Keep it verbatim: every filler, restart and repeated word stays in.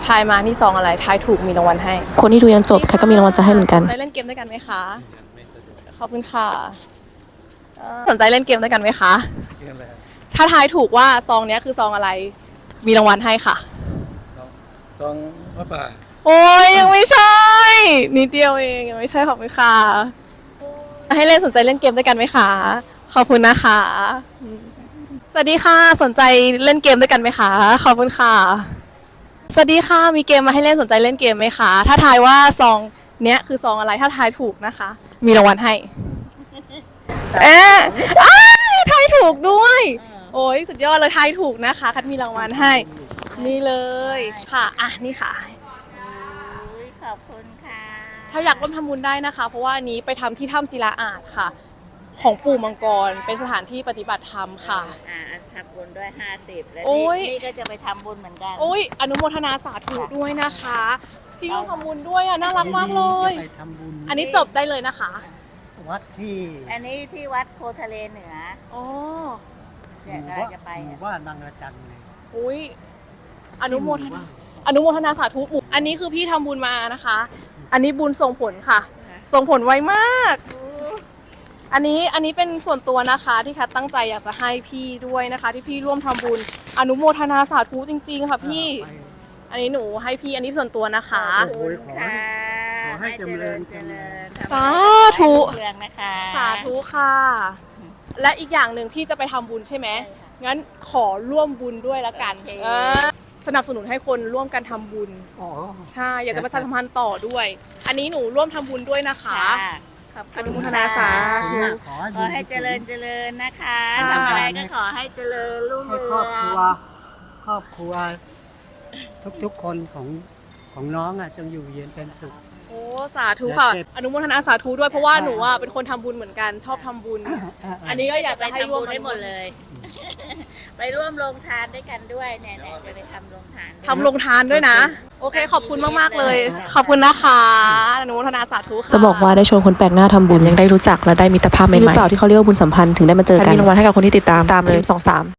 ทายมานี่ซองอะไรทายถูกมีรางวัลให้คนที่ดูยันจบแคทก็มีรางวัลจะให้เหมือนกันสนใจเล่นเกมด้วยกันไหมคะขอบคุณค่ะเอ่อสนใจเล่นเกมด้วยกันไหมคะถ้าทายถูกว่าซองเนี้ยคือซองอะไรมีรางวัลให้ค่ะซองพระป่าโอ้ยยังไม่ใช่นิดเดียวเองยังไม่ใช่ขอบคุณค่ะให้เล่นสนใจเล่นเกมด้วยกันไหมคะขอบคุณนะคะสวัสดีค่ะสนใจเล่นเกมด้วยกันไหมคะขอบคุณค่ะสวัสดีค่ะมีเกมมาให้เล่นสนใจเล่นเกมไหมคะถ้าทายว่าซองเนี้ยคือซองอะไรถ้าทายถูกนะคะ มีรางวัลให้เอ๊ะอ้าวทายถูกด้วยโอ้ยสุดยอดเลยทายถูกนะคะคัดมีรางวัลให้นี่เลยค่ะอ่ะนี่ค่ะขอบคุณค่ะถ้าอยากร่วมทำบุญได้นะคะ เพราะว่าอันนี้ไปทำที่ถ้ำศิลาอาจค่ะ ของปู่มังกรเป็นสถานที่ปฏิบัติธรรมค่ะอ่าทำบุญด้วยห้าสิบแล้วโอ้นี่ยนี่ก็จะไปทำบุญเหมือนกันโอ้ยอนุโมทนาสาธุด้วยนะคะ พี่ร่วมทำบุญด้วยอ่ะน่ารักมากเลยไปทำบุญอันนี้จบได้เลยนะคะวัดที่อันนี้ที่วัดโพทะเลเหนืออ๋อเดี๋ยวหเรามู่บ้านจะไปหมู่บ้านบางระจันเลยอุ้ยอนุโมทนาอนุโมทนาสาธุปู่อันนี้คือพี่ทำบุญมานะคะ อันนี้บุญส่งผลค่ะ ส่งผลไวมาก อันนี้อันนี้เป็นส่วนตัวนะคะที่แคทตั้งใจอยากจะให้พี่ด้วยนะคะ ที่พี่ร่วมทำบุญอนุโมทนาสาธุจริงๆค่ะพี่ อันนี้หนูให้พี่อันนี้ส่วนตัวนะคะขอบคุณค่ะขอให้เจริญเจริญสาธุเรืองนะคะสาธุค่ะ และอีกอย่างหนึ่งพี่จะไปทำบุญใช่ไหมงั้นขอร่วมบุญด้วยละกันเออสนับสนุนให้คนร่วมกันทำบุญอ๋อใช่อยากจะประชาสัมพันธ์ต่อด้วย อันนี้หนูร่วมทำบุญด้วยนะคะค่ะขอบอคุณนุโมทนาสาธุขอขอให้เจริญเจริญนะคะค่ะทำอะไรก็ขอให้เจริญรุ่งให้เรืครอบอครัวงครอบครัว ทุกๆคนของของน้องอ่ะจงอยู่เย็นเป็นสุขโอ้สาธุค่ะและเจ็บอนุโมทนาสาธุด้วยเพราะว่าหนูอ่ะเป็นคนทำบุญเหมือนกันชอบทำบุญ อันนี้ก็อยากจะให้ไปทำร่วบุมญได้หมดเลย ไปร่วมลงทานด้วยกันด้วยเนี่ยเนี่ยจะไปทำลงทานด้วยทำลงทานด้วยนะ โอเคขอบคุณมากๆเลย ขอบคุณนะคะอนุโมทนาสาธุค่ะจะบอกว่าได้ชวนคนแปลกหน้าทำบุญยังได้รู้จักและได้มิตรภาพใหม่ๆหรือเปล่าที่เขาเรียกว่าบุญสัมพันธ์ถึงได้มาเจอกันมีรางวัลให้กับคนที่ติดตามตามเลยสองสาม